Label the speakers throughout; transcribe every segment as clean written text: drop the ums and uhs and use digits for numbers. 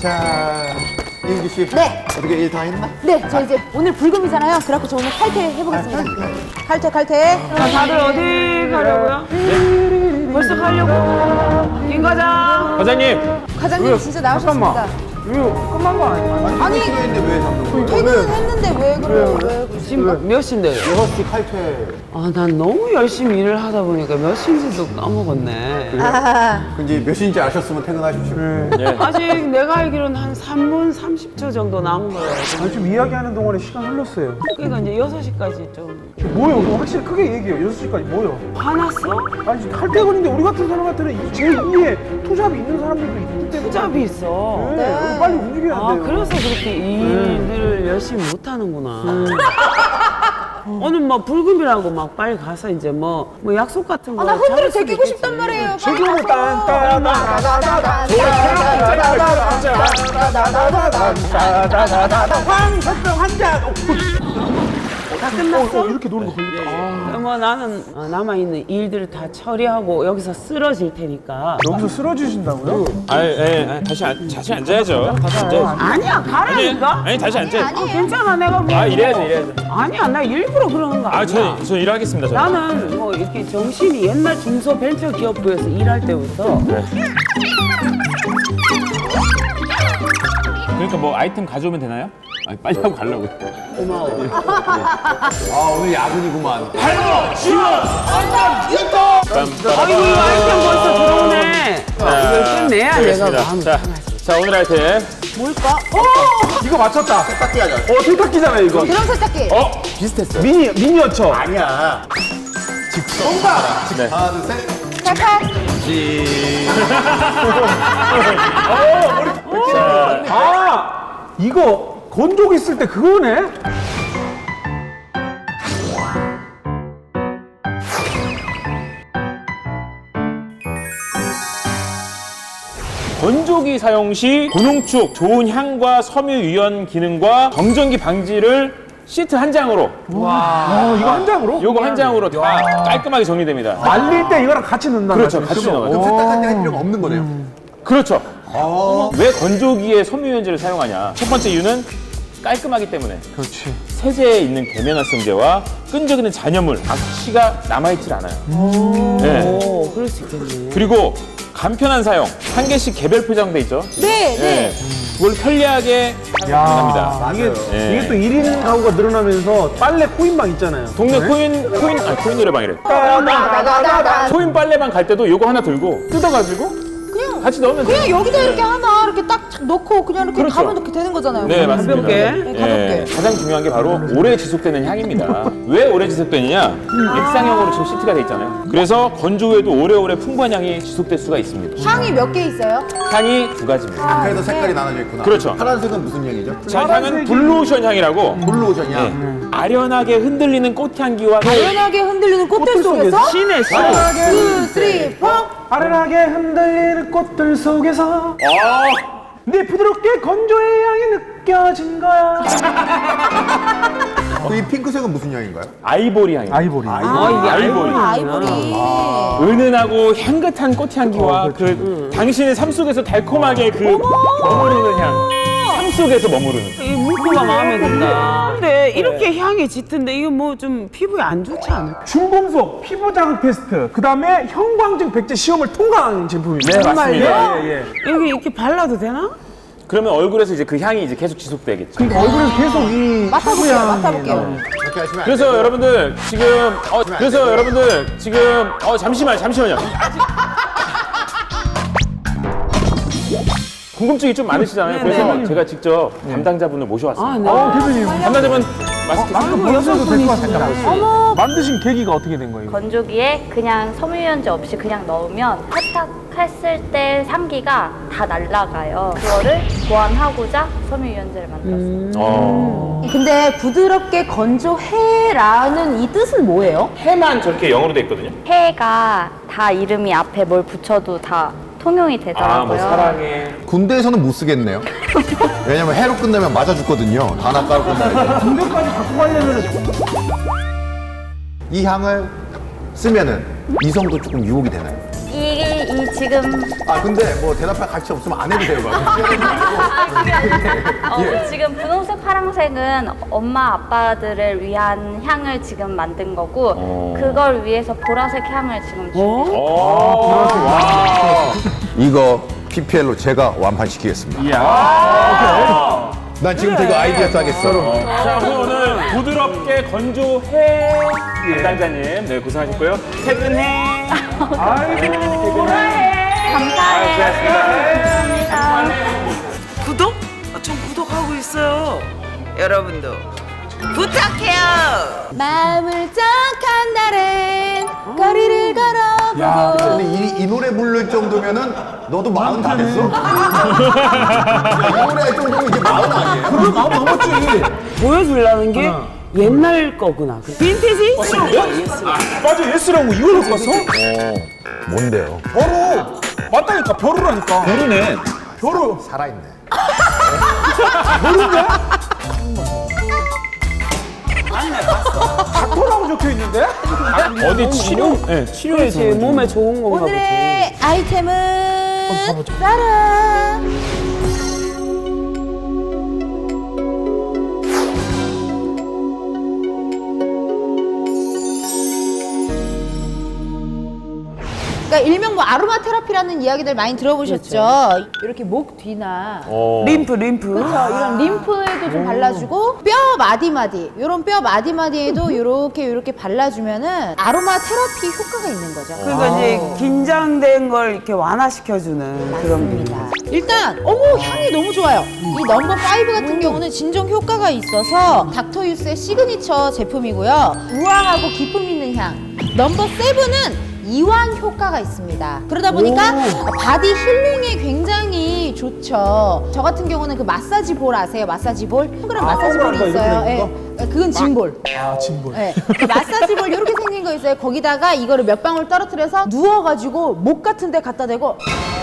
Speaker 1: 자, 이은기 씨.
Speaker 2: 네.
Speaker 1: 어떻게 일 다 했나?
Speaker 2: 네, 저 이제 오늘 불금이잖아요. 그래갖고 저 오늘 칼퇴 해보겠습니다. 칼퇴.
Speaker 3: 자, 다들 어디 가려고요? 벌써 가려고? 김 과장.
Speaker 4: 과장님.
Speaker 2: 과장님 진짜 나오셨습니다.
Speaker 4: 이거 끝난 거 아니야?
Speaker 2: 아니,
Speaker 1: 했는데 왜 잡는 거야?
Speaker 2: 퇴근은 했는데 왜 그래요? 왜 그러지?
Speaker 3: 지금 몇 시인데요?
Speaker 1: 6시 칼퇴.
Speaker 3: 아, 난 너무 열심히 일을 하다 보니까 몇 시인지도 까먹었네.
Speaker 1: 이제 몇 시인지 아셨으면 퇴근하십시오.
Speaker 3: 아직 내가 알기로는 한 3분 30초 정도 남은 거예요.
Speaker 4: 아니, 좀 이야기하는 동안에 시간 흘렀어요.
Speaker 3: 그러니까 이제 6시까지 좀.
Speaker 4: 뭐요? 그거 확실히 크게 얘기해요. 6시까지 뭐요?
Speaker 3: 화났어?
Speaker 4: 아니, 칼퇴근인데 우리 같은 사람한테는 제일 위에 투잡이 있는 사람들도 있기 때문에.
Speaker 3: 투잡이 있어.
Speaker 4: 네, 우리 빨리 움직여야
Speaker 3: 아,
Speaker 4: 돼요.
Speaker 3: 그래서 그렇게 일들을 열심히 못 하는구나. 오늘 뭐 불금이라고 막 빨리 가서 이제 뭐 약속 같은 거.
Speaker 2: 아, 나 흔들어
Speaker 3: 잡을 수도
Speaker 2: 제끼고
Speaker 3: 있겠지.
Speaker 2: 싶단 말이에요.
Speaker 4: 지금은 황석병 한잔.
Speaker 3: 다 끝났어?
Speaker 4: 이렇게 노는 거 걸렸다.
Speaker 3: 뭐 나는 남아있는 일들을 다 처리하고 여기서 쓰러질 테니까.
Speaker 4: 여기서 쓰러지신다고요?
Speaker 5: 다시 앉아야죠. 다시 앉아야죠.
Speaker 3: 아니야, 가라니까?
Speaker 5: 아니, 다시 앉아야죠.
Speaker 3: 괜찮아, 내가 뭐.
Speaker 5: 이래야죠.
Speaker 3: 아니야, 나 일부러 그러는 거 아니야.
Speaker 5: 저 일하겠습니다. 저.
Speaker 3: 나는 뭐 이렇게 정신이 옛날 중소벤처기업부에서 일할 때부터
Speaker 5: 그러니까 뭐 아이템 가져오면 되나요? 아니, 빨리 하고 가려고.
Speaker 3: 고마워.
Speaker 1: 아, 오늘 야근이구만.
Speaker 3: 아이고, 이 아이템 벌써 들어오네. 이걸 끝내야 내가
Speaker 5: 알겠습니다.
Speaker 3: 마음을
Speaker 5: 자, 오늘 아이템.
Speaker 2: 뭘까?
Speaker 4: 이거 맞췄다.
Speaker 1: 세탁기 하자.
Speaker 4: 세탁기잖아요, 이거.
Speaker 2: 드럼 세탁기.
Speaker 1: 비슷했어.
Speaker 4: 미니어처.
Speaker 1: 아니야.
Speaker 5: 네.
Speaker 1: 하나, 둘, 셋.
Speaker 2: 칼칼.
Speaker 4: 아, 이거 건조기 쓸 때 그거네?
Speaker 5: 건조기 사용 시 고농축, 좋은 향과 섬유 유연 기능과 정전기 방지를 시트 한 장으로,
Speaker 4: 이거 한 장으로?
Speaker 5: 요거 한 장으로 다 깔끔하게 정리됩니다.
Speaker 4: 말릴 때 이거랑 같이 넣는다.
Speaker 5: 그렇죠, 같이 넣어가지고.
Speaker 1: 그럼 세탁할 때 할 필요가 없는 거네요.
Speaker 5: 그렇죠. 왜 건조기에 섬유유연제를 사용하냐? 첫 번째 이유는 깔끔하기 때문에.
Speaker 4: 그렇지.
Speaker 5: 세제에 있는 계면활성제와 끈적이는 잔여물, 악취가 남아있질 않아요. 네.
Speaker 3: 오, 그럴 수 있겠네.
Speaker 5: 그리고 간편한 사용, 한 개씩 개별 포장돼 있죠.
Speaker 2: 네, 네.
Speaker 5: 그걸 편리하게 사용합니다.
Speaker 4: 이게,
Speaker 5: 네.
Speaker 4: 이게 또 1인 가구가 늘어나면서 빨래 코인방 있잖아요.
Speaker 5: 동네
Speaker 4: 네?
Speaker 5: 코인 노래방이래. 코인 빨래방 갈 때도 요거 하나 들고 뜯어가지고 같이 넣으면 돼요.
Speaker 2: 그냥 여기다 이렇게 하나 이렇게 딱 넣고 그냥 이렇게
Speaker 5: 그렇죠.
Speaker 2: 가면 이렇게 되는 거잖아요.
Speaker 5: 네, 맞습니다.
Speaker 3: 가볍게.
Speaker 2: 네, 가볍게.
Speaker 5: 가장 중요한 게 바로 오래 지속되는 향입니다. 왜 오래 지속되느냐? 액상형으로 지금 시트가 돼 있잖아요. 그래서 건조 후에도 오래오래 풍부한 향이 지속될 수가 있습니다.
Speaker 2: 향이 몇 개 있어요?
Speaker 5: 향이 두 가지입니다.
Speaker 1: 그래서 색깔이 나눠져 있구나.
Speaker 5: 그렇죠.
Speaker 1: 파란색은 무슨 향이죠?
Speaker 5: 자, 향은 블루오션 향이라고
Speaker 1: 블루오션이야.
Speaker 5: 아련하게 흔들리는 꽃향기와
Speaker 2: 연하게 흔들리는 꽃들 속에서
Speaker 3: 신의 신.
Speaker 2: 2, 3, 4.
Speaker 4: 아련하게 흔들리는 꽃들 속에서 내 부드럽게 건조의 향이 느껴진 거야.
Speaker 1: 이 핑크색은 무슨 향인가요?
Speaker 5: 아이보리 향입니다.
Speaker 4: 아이보리.
Speaker 3: 이게
Speaker 5: 아이보리.
Speaker 2: 아이보리.
Speaker 5: 은은하고 향긋한 꽃향기와 그 당신의 삶 속에서 달콤하게 그 머무르는 향. 삶 속에서 머무르는.
Speaker 3: 이 문구가 마음에 든다. 근데 이렇게 향이 짙은데 이거 뭐 좀 피부에 안 좋지 않을까?
Speaker 4: 중금속 피부 자극 테스트, 그 다음에 형광등 백제 시험을 통과한 제품입니다.
Speaker 5: 네, 맞습니다.
Speaker 4: 예, 예.
Speaker 3: 여기 이렇게 발라도 되나?
Speaker 5: 그러면 얼굴에서 이제 그 향이 이제 계속 지속되겠죠.
Speaker 4: 그러니까 얼굴에서 계속 이
Speaker 2: 맡아볼게요,
Speaker 4: 피부 향이
Speaker 2: 맡아볼게요.
Speaker 4: 나와요.
Speaker 1: 그렇게 하시면 안
Speaker 5: 그래서
Speaker 1: 되고.
Speaker 5: 여러분들 지금 잠시만요. 궁금증이 좀 많으시잖아요. 그래서 제가 직접 담당자분을 모셔왔습니다.
Speaker 3: 아, 네.
Speaker 4: 대표님.
Speaker 5: 담당자분 마스크
Speaker 4: 마스크 벗으셔도 될 것 같습니다. 만드신 계기가 어떻게 된 거예요?
Speaker 6: 건조기에 그냥 섬유유연제 없이 그냥 넣으면 세탁했을 때 향기가 다 날아가요. 그거를 보완하고자 섬유유연제를 만들었어요.
Speaker 2: 근데 부드럽게 건조해라는 이 뜻은 뭐예요?
Speaker 5: 해만 저렇게 영어로 돼 있거든요.
Speaker 6: 해가 다 이름이 앞에 뭘 붙여도 다 통용이 되더라고요.
Speaker 5: 뭐 사랑해.
Speaker 1: 군대에서는 못 쓰겠네요. 왜냐면 해로 끝나면 맞아 죽거든요. 단아 깔고 끝나면.
Speaker 4: 군대까지 갖고 가려면
Speaker 1: 이 향을 쓰면은 이성도 조금 유혹이 되나요?
Speaker 6: 이 지금
Speaker 1: 아 근데 뭐 대답할 가치 없으면 안 해도 돼요.
Speaker 6: 지금 분홍색, 파란색은 엄마 아빠들을 위한 향을 지금 만든 거고 그걸 위해서 보라색 향을 지금 준비.
Speaker 1: 이거 PPL로 제가 완판시키겠습니다.
Speaker 5: 이야.
Speaker 1: 난 지금부터 이거 아이디어 짜겠어.
Speaker 5: 자, 오늘 부드럽게 건조해 담당자님 네 고생하셨고요. 퇴근해.
Speaker 4: 아이고.
Speaker 6: 감사해요.
Speaker 3: 구독? 전 구독하고 있어요. 여러분도 부탁해요.
Speaker 2: 마음을 쩍한 날엔 거리를 걸어보고
Speaker 1: 근데 이 노래 부를 정도면은 너도 40 다 됐어? 이 노래 할 정도면 이게 40 아니에요?
Speaker 4: 그걸 마음 넘었지.
Speaker 3: 보여주려는 게 옛날 거구나. 빈티지?
Speaker 4: 맞아, 예스라고 이걸 갖고 왔어?
Speaker 1: 뭔데요?
Speaker 4: 벼루. 맞다니까, 벼루라니까. 벼루네. 벼루.
Speaker 1: 살아있네.
Speaker 4: 닥터라고 적혀 있는데?
Speaker 5: 어디 치료? 네, 치료에
Speaker 3: 그렇지, 몸에 좋은 건가 보지.
Speaker 2: 오늘의 아이템은 짜란. 그러니까 일명 뭐 아로마 테라피라는 이야기들 많이 들어보셨죠? 이렇게 목 뒤나
Speaker 3: 림프.
Speaker 2: 그렇죠. 이런 림프에도 좀 발라주고 뼈 마디마디 이런 뼈 마디마디에도 이렇게 발라주면은 아로마 테라피 효과가 있는 거죠.
Speaker 3: 그러니까 이제 긴장된 걸 이렇게 완화시켜주는 그런
Speaker 2: 맞습니다. 일단 어머 향이 너무 좋아요. 이 넘버 5 같은 경우는 진정 효과가 있어서 닥터유스의 시그니처 제품이고요. 우아하고 기품 있는 향. 넘버 7은 이완 효과가 있습니다. 그러다 보니까 바디 힐링에 굉장히 좋죠. 저 같은 경우는 그 마사지 볼 아세요? 마사지 볼? 동그란 마사지 볼이
Speaker 4: 동그란 거
Speaker 2: 있어요.
Speaker 4: 이렇게
Speaker 2: 예. 그건 짐볼.
Speaker 4: 아, 진볼.
Speaker 2: 네. 그 마사지 볼 이렇게 생긴 거 있어요. 거기다가 이거를 몇 방울 떨어뜨려서 누워가지고 목 같은 데 갖다 대고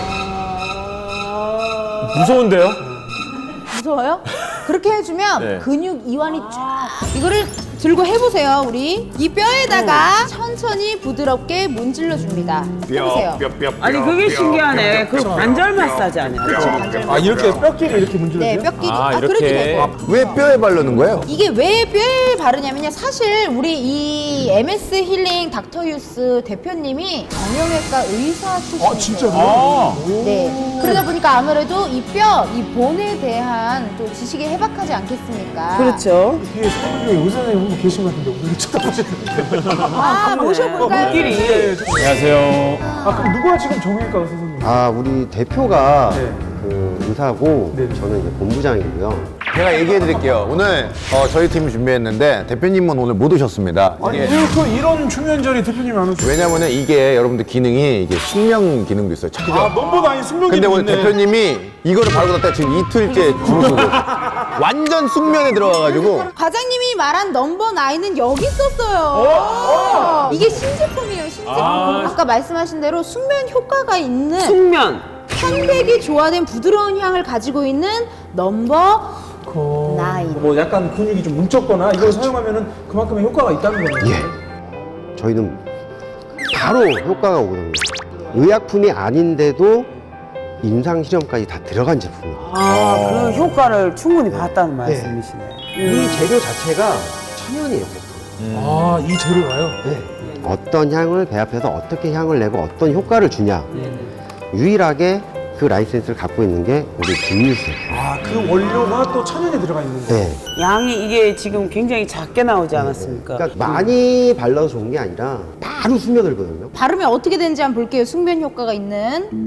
Speaker 5: 무서운데요?
Speaker 2: 무서워요? 그렇게 해주면
Speaker 5: 네.
Speaker 2: 근육 이완이 쫙 이거를 들고 해보세요. 우리 이 뼈에다가 천천히 부드럽게 문질러 줍니다. 해보세요.
Speaker 3: 아니 그게 신기하네. 그 관절 마사지 아니야?
Speaker 4: 아, 이렇게 뼈끼리 이렇게 문질러줘요?
Speaker 2: 네, 뼈끼리.
Speaker 5: 아,
Speaker 2: 그래도
Speaker 5: 이렇게.
Speaker 2: 되고.
Speaker 1: 왜 뼈에 바르는 거예요?
Speaker 2: 이게 왜 뼈에 바르냐면요. 사실 우리 이 MS 힐링 닥터유스 대표님이 정형외과 의사 출신이세요.
Speaker 4: 아, 진짜로?
Speaker 5: 아,
Speaker 2: 네. 그러다 보니까 아무래도 이 뼈, 이 본에 대한 또 지식이 해박하지 않겠습니까?
Speaker 3: 그렇죠.
Speaker 4: 뒤에 의사님 한 분 계신 것 같은데 오늘 쳐다보시는데.
Speaker 2: 아, 모셔볼까요?
Speaker 3: 우리끼리.
Speaker 5: 안녕하세요.
Speaker 4: 아, 그럼 누가 지금 정형외과 의사 선생님?
Speaker 7: 아, 우리 대표가
Speaker 4: 네.
Speaker 7: 그 의사고
Speaker 4: 네.
Speaker 7: 저는 이제 본부장이고요.
Speaker 1: 제가 얘기해 드릴게요. 오늘 저희 팀이 준비했는데 대표님은 오늘 못 오셨습니다.
Speaker 4: 아니,
Speaker 1: 이게
Speaker 4: 왜 그 이런 중요한 자리에 대표님이 안 오세요?
Speaker 1: 왜냐면은 이게 여러분들 기능이 이게 숙명 기능도 있어요. 그죠?
Speaker 4: 아, 넘버 9 숙명이
Speaker 1: 근데 오늘
Speaker 4: 있네.
Speaker 1: 대표님이 이거를 바르고 났다 지금 이틀째 주무시고 완전 숙면에 들어가가지고
Speaker 2: 과장님이 말한 넘버 9은 여기 있었어요. 이게 신제품이에요, 신제품. 아까 말씀하신 대로 숙면 효과가 있는
Speaker 3: 숙면.
Speaker 2: 편백이 조화된 부드러운 향을 가지고 있는 넘버 9.
Speaker 4: 뭐 약간 근육이 좀 뭉쳤거나 이걸 사용하면은 그만큼의 효과가 있다는 거예요.
Speaker 7: 예. 저희는 바로 효과가 오거든요. 의약품이 아닌데도 임상 실험까지 다 들어간 제품이에요.
Speaker 3: 아, 그 효과를 충분히 봤다는 말씀이시네.
Speaker 7: 이 재료 자체가 천연이에요.
Speaker 4: 아, 이 재료가요?
Speaker 7: 네. 어떤 향을 배합해서 어떻게 향을 내고 어떤 효과를 주냐. 유일하게 그 라이센스를 갖고 있는 게 우리 김유수.
Speaker 4: 아, 그 원료가 또 천연에 들어가 있는 거예요.
Speaker 7: 네.
Speaker 3: 양이 이게 지금 굉장히 작게 나오지 않았습니까?
Speaker 7: 그러니까 많이 발라서 좋은 게 아니라 바로 스며들거든요.
Speaker 2: 바르면 어떻게 되는지 한번 볼게요. 숙면 효과가 있는.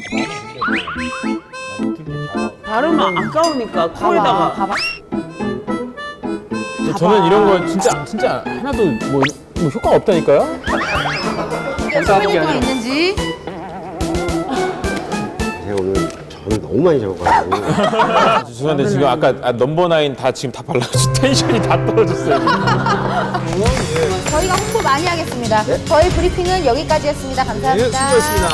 Speaker 3: 바르면 아까우니까
Speaker 2: 봐봐,
Speaker 3: 코에다가.
Speaker 2: 봐봐.
Speaker 5: 저는 이런 거 진짜 하나도 뭐 효과가 없다니까요?
Speaker 2: 숙면 효과가 있는지.
Speaker 7: 제가 오늘 저를 너무 많이 잡아가지고.
Speaker 5: 죄송한데 지금 아까 넘버 9 다 지금 다 발라가지고 텐션이 다 떨어졌어요.
Speaker 2: 저희가 홍보 많이 하겠습니다. 저희 브리핑은 여기까지였습니다. 감사합니다.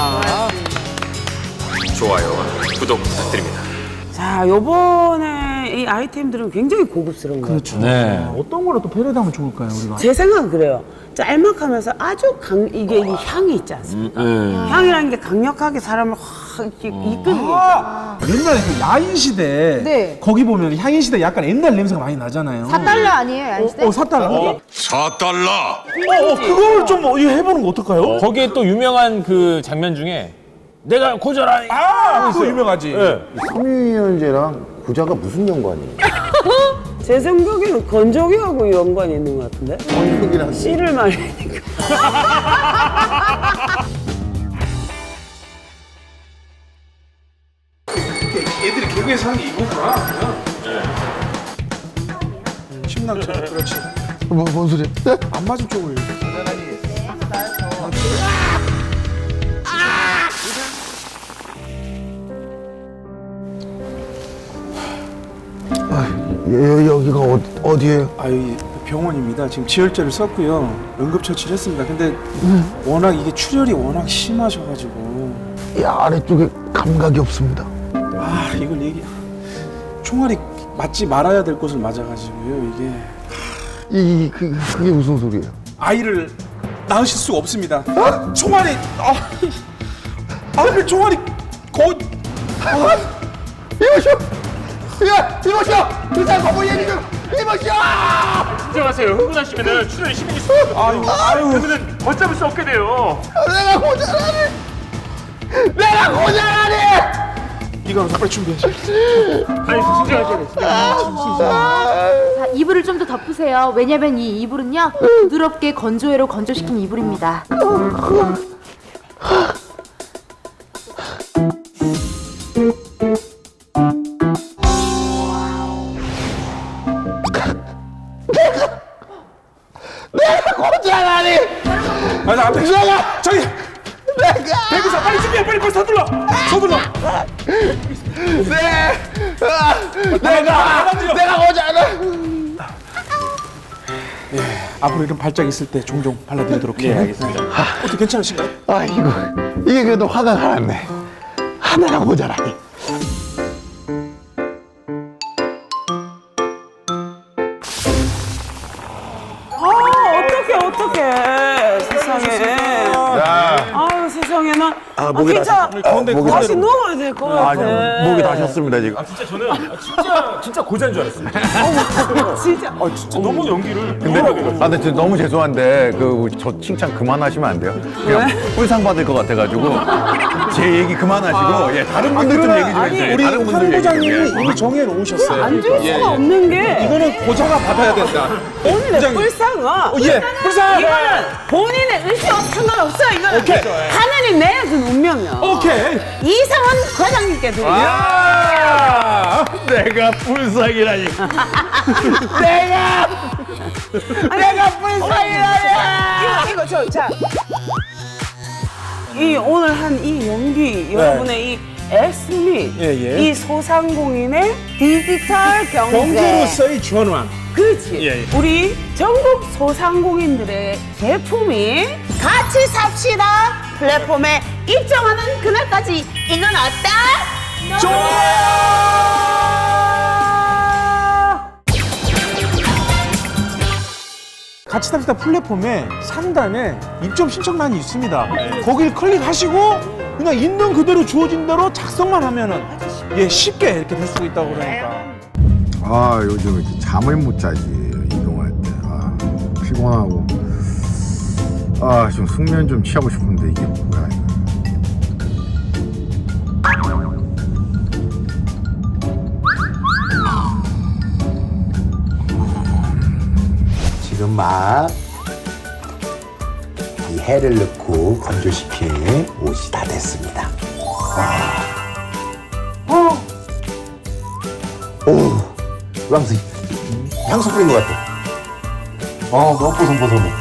Speaker 5: 좋아요, 구독 부탁드립니다.
Speaker 3: 자, 요번에 이 아이템들은 굉장히 고급스러운 거예요.
Speaker 4: 그렇죠.
Speaker 5: 네.
Speaker 4: 어떤 걸로 또 패러디하면 좋을까요, 우리가?
Speaker 3: 제 생각은 그래요. 짤막하면서 아주 이게 이 향이 있지 않습니까? 향이라는 게 강력하게 사람을 확 이렇게 이끄는 게 있잖아요.
Speaker 4: 옛날에 그 야인 시대
Speaker 2: 네.
Speaker 4: 거기 보면 향인 시대 약간 옛날 냄새가 많이 나잖아요.
Speaker 2: 4달러 아니에요, 야인시대?
Speaker 4: 4달러?
Speaker 8: 4달러.
Speaker 4: 그걸 좀 이거 해보는 거 어떨까요?
Speaker 5: 거기에 또 유명한 그 장면 중에 내가 고절하니
Speaker 4: 그거 유명하지.
Speaker 1: 섬유유연제랑 고자가 무슨 연관이에요?
Speaker 3: 제 생각에는 건조기하고 연관이 있는 것 같은데?
Speaker 1: 건조기랑
Speaker 3: 씨를 말리니까.
Speaker 4: 애들이 개그에서 하는 게 이거구나. 심낭처럼 그렇지.
Speaker 1: 뭔 소리야?
Speaker 4: 안 맞은 쪽을.
Speaker 1: 여기가 어디예요?
Speaker 4: 이 병원입니다. 지금 지혈제를 썼고요. 응급처치를 했습니다. 근데 워낙 이게 출혈이 워낙 심하셔가지고
Speaker 1: 이 아래쪽에 감각이 없습니다.
Speaker 4: 이걸 총알이 맞지 말아야 될 곳을 맞아가지고요. 이게
Speaker 1: 그게 무슨 소리예요?
Speaker 4: 아이를 낳으실 수가 없습니다. 총알이 왜 총알이
Speaker 1: 이모쇼! 야! 이모쇼! 의사 거부 얘기 좀! 이모쇼!
Speaker 5: 걱정하세요. 흥분하시면은 출혈이 심해질 수 있어요. 그러면은 걷잡을 수 없게 돼요.
Speaker 1: 내가 고자라니!
Speaker 4: 이거 빨리 준비해.
Speaker 5: 아니 진정하셔야 돼요.
Speaker 2: 자, 이불을 좀 더 덮으세요. 왜냐면 이 이불은요, 부드럽게 건조해로 건조시킨 이불입니다.
Speaker 1: 고자라니!
Speaker 4: 안 돼. 저기 대구사 빨리 준비해. 빨리 서둘러.
Speaker 1: 내가 고자라!
Speaker 4: 앞으로 이런 발작 있을 때 종종 발라드리도록 해요.
Speaker 5: 알겠습니다.
Speaker 4: 어떻게 괜찮으신가요?
Speaker 1: 이게 그래도 화가 가랐네. 하나가 고자라니.
Speaker 3: 어떡해. 세상에. 아유, 세상에. 나.
Speaker 1: 목이
Speaker 3: 진짜.
Speaker 1: 목이
Speaker 3: 다시 누워야 될 것 같아.
Speaker 1: 목이 다셨습니다 지금.
Speaker 5: 진짜 저는 진짜 고자인 줄 알았어요.
Speaker 3: 진짜.
Speaker 5: 진짜 너무 연기를.
Speaker 1: 근데 진짜 너무 죄송한데 저 칭찬 그만하시면 안 돼요? 그냥 꿀상 받을 것 같아가지고 제 얘기 그만하시고 다른 분들 좀 얘기 좀 해주세요.
Speaker 4: 우리
Speaker 1: 다른 분들
Speaker 4: 황
Speaker 1: 얘기 좀
Speaker 4: 부장님이
Speaker 1: 해주세요.
Speaker 4: 이미 정해 놓으셨어요.
Speaker 3: 안 줄 수가 없는 게.
Speaker 4: 이거는 고자가 받아야 된다.
Speaker 3: 본인의 불쌍은.
Speaker 4: 불쌍하다.
Speaker 3: 이거는 본인의 의지와 상관없어. 이거는.
Speaker 4: 오케이.
Speaker 3: 하나님 내려준 운명이야.
Speaker 4: 오케이.
Speaker 3: 이상은 과장님께 드려.
Speaker 5: 내가 불쌍이라니.
Speaker 3: 내가 불쌍이라니. 이거 자. 이 오늘 한 이 연기, 여러분의 이 애씀이 이 소상공인의 디지털
Speaker 4: 경제로서의 전환.
Speaker 3: 그렇지. 우리 전국 소상공인들의 제품이 같이 삽시다 플랫폼에 입점하는 그날까지 이건 어때? 좋아!
Speaker 4: 같이 삽시다 플랫폼에 상단에 입점 신청란이 있습니다. 거기를 클릭하시고 그냥 있는 그대로 주어진 대로 작성만 하면은 쉽게 이렇게 될 수 있다고 그러니까.
Speaker 1: 요즘 이렇게 잠을 못 자지 이동할 때. 피곤하고. 좀 숙면 좀 취하고 싶은데 이게 뭐야 이거.
Speaker 9: 지금 막 이 해를 넣고 건조시킨 옷이 다 됐습니다. 오, 왕수 향수 뿌린 것 같아. 너무 뽀송뽀송해.